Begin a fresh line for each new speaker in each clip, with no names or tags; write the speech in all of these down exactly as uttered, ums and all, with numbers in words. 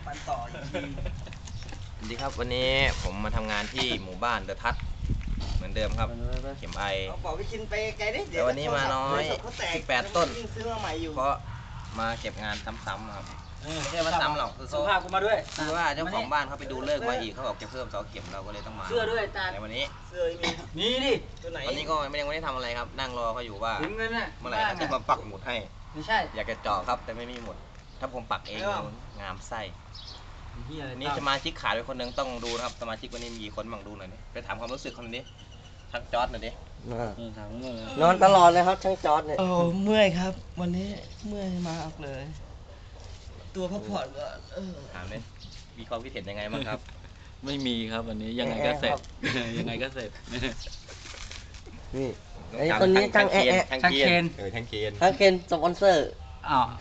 มันต่อจริง
สวัสดีครับวันนี้ผมมาทำงานที่หมู่บ้านเดอะทัศน์เหมือนเดิมครับเข็มไอ
เอาบอกไปกินไปไกลดิ
แต่วันนี้มาน้อยสิบแปดต้น
ซื้อมาใหม่อยู่
เพราะมาเก็บงานซ้ำๆครับไม่ใช่มาซ้ำหรอกคือ
สุภาพกูมาด้วย
คือว่าเจ้าของบ้านเขาไปดูเลิกษ์มาอีกเขาบอกจะเพิ่มเสาเข็มเราก็เลยต้องมา
เสื้อด้วยตา
ในวันนี้
เสื้อมี
นี่ดิ
ตัวไหน
วันนี้ก็ไม่ยังไม่ได้ทำอะไรครับ นั่งรอเขาอยู่ว่า
ถึงเงินน่ะ
เมื่อไหร่เขาจะมาปักหมุดให้
ไม่ใช่
อยากจะเจาะครับแต่ไม่มีหมุด ถ้าผมปักเองงามไส้
เฮียอะไร
นี่สมาชิกขาดไปคนหนึงต้องดูนะครับสมาชิกวันนี้มีกี่คนบ้างดูหน่อยนี่ไปถามความรู้สึกคนนี้ชักจอร์ดหน่อยดิ
ถามเงิน
นอนตลอดเลยครับช่างจอร์ดเนี่ย
โอ้เมื่อยครับ วันนี้เมื่อยมากเลย
ตัวพักผ่อนก็เออ
ถามเลยมีความคิดเห็นยังไงบ้างครับ
ไม่มีครับวันนี้ยังไงก็เสร็จ ยังไงก็เสร็จ
นี่ไอ้คนนี้ช่างแอะแอะ
ช่างเคนเออช่างเคน
ช่างเคนสปอนเซอร์
อ้าว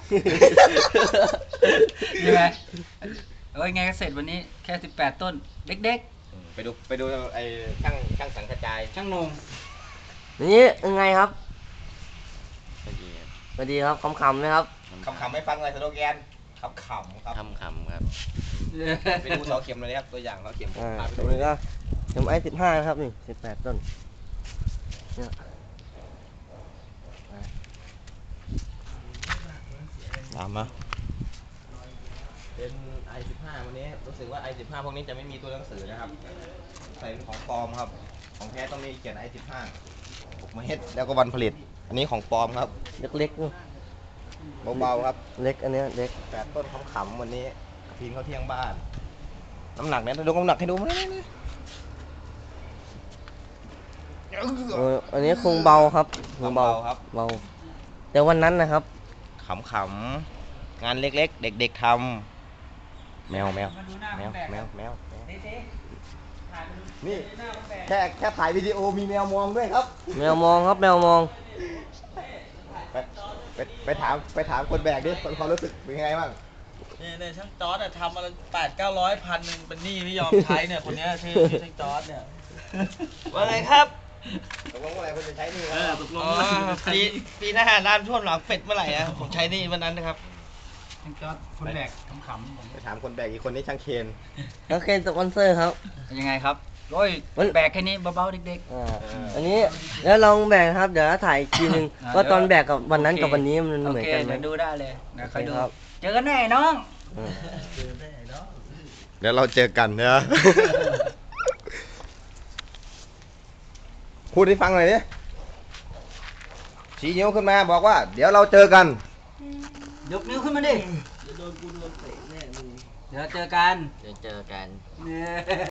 ยังไงเอ้ยไงก็เสร็จวันนี้แค่สิบแปดต้นเด็ก
อืมไปดูไปดูไอ้ช่างช่างสังกระจาย
ๆ ช่างนง
นี่ยังไงครับ
ช่างเคน
สวัสดีครับคำๆนะครับ
คำคำไม่ฟังเลยสโลแกนคำขำครับ
คำคำครับ
ไปดูเสาเข็มเลยครับตัวอย่างเสาเข็ม
อ่า
พาไป
ตร
ดู
งนี้ก็เข็มไอสิบห้านะครับนี่สิบแปดต้นเนี่ย
ตามมาเป็น ไอ สิบห้า วันนี้รู้สึกว่า ไอ สิบห้า พวกนี้จะไม่มีตัวหนังสือนะครับใส่เป็นของปลอมครับของแท้ต้องมีเขียน ไอ สิบห้า หกเมตรแล้วก็วันผลิตอันนี้ของปลอมครับ
เล็กๆนี่
เบาๆครับ
เล็กอันเนี้ยเล็ก
แปดต้นขำๆวันนี้พีนเขาเที่ยงบ้าน น้ำหนักเนี่ยดูน้ำหนักให้ดูไหม
เอออันนี้คงเบาครับคง
เบา
เบา
ครับ
เบาแต่วันนั้นนะครับ
ขำๆงานเล็กๆ เด็กๆทำแมวแมว
มาดูหน้า
แมว
แบก
แมวแมวแมว
เต๊ะถ่ายมาดู
นี่
หน้าแบก
แค่แค่ถ่ายวิดีโอมีแมวมองด้วยครับ
แมวมองครับแมวมอง
ไปไปไปถามไปถามคนแบกดิคนความรู้สึกเป็นยังไงบ้าง
เนี่ยเนี่ยช่างจอร์ดอะทำมาแปดเก้าร้อยพันหนึ่งเป็นหนี้ไม่ยอมใช้เนี่ยคนเนี้ยชื่อชื่อช่างจอร์ดเนี่ย ว่าไงครับ
ตกลงเมื่อไหร่คุณจะใช้หนี่
เอ
ค
อ
รับ
ตกลงปีปีหน้าน้ำท่วมหลังเป็ดเมื่อไหร่อะผมใช้หนี่วันนั้นนะครับ
ช่างจอดคนแบกขำๆผม
ไปถามคนแบกอีกคนนี้ช่างเคน
แล้วเคนสปอนเซอร์ครับ
ยังไงครับโอ้ย
มัน
แบกแค่นี้เบาๆเด็ก
อ่าอันนี้แล้วลองแบกครับเดี๋ยวถ่ายอีกทีหนึง
อ่า
ว่าตอนแบกกับวันนั้น
โอเค
กับวันนี้มัน
ๆ โอ
เหมือน
เค
กันไหม
เดี๋ยวดูได้เลยนะคอยดู
โอเคครับ
เจอกันแน่น้อง
อืม
เดี๋ยวเราเจอกันเนอะ พูดให้ฟังหน่อยดิชี้นิ้วขึ้นมาบอกว่า เดี๋ยวเราเจอกัน
ยกนิ้วขึ้นมาดิ เดี๋ยวเจอกัน
เดี๋ยวเจอกัน
เนี่ย